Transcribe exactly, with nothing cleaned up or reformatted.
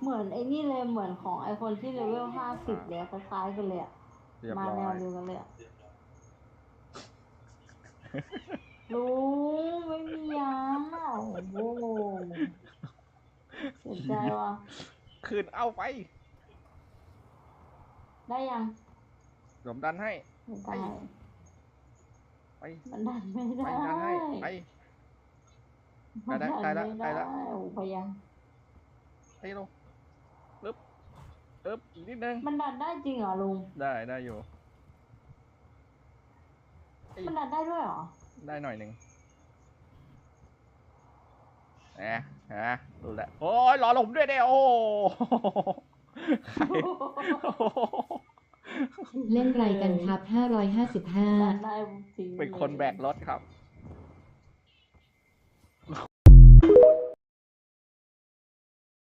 เหมือนไอ้นี่เลยเหมือนของไอคนที่เลเวลห้าสิบเลยคล้ายๆกันเลยอะมาแนวเดียวกันเลยอะลุงไม่มียาโอ้โหเสียใจว่ะคืนเอาไปได้ยังเดี๋ยวผมดันให้ไม่ไปได้ไปมันดันไม่ไปได้ดันให้ ไปมันได้ดันได้แล้วไม่ได้ได้แล้วโอ้พยายามไปลงปึ๊บปึ๊บอีกนิดนึงมันดันได้จริงเหรอลุงได้ ได้อยู่มันดันได้ด้วยเหรอได้หน่อยหนึ่งแหมฮะดูแลโอ้ยรอผมด้วยเด้โอ้เล่นไรกันครับห้าร้อยห้าสิบห้าดันได้จริงเป็นคนแบกรถครับ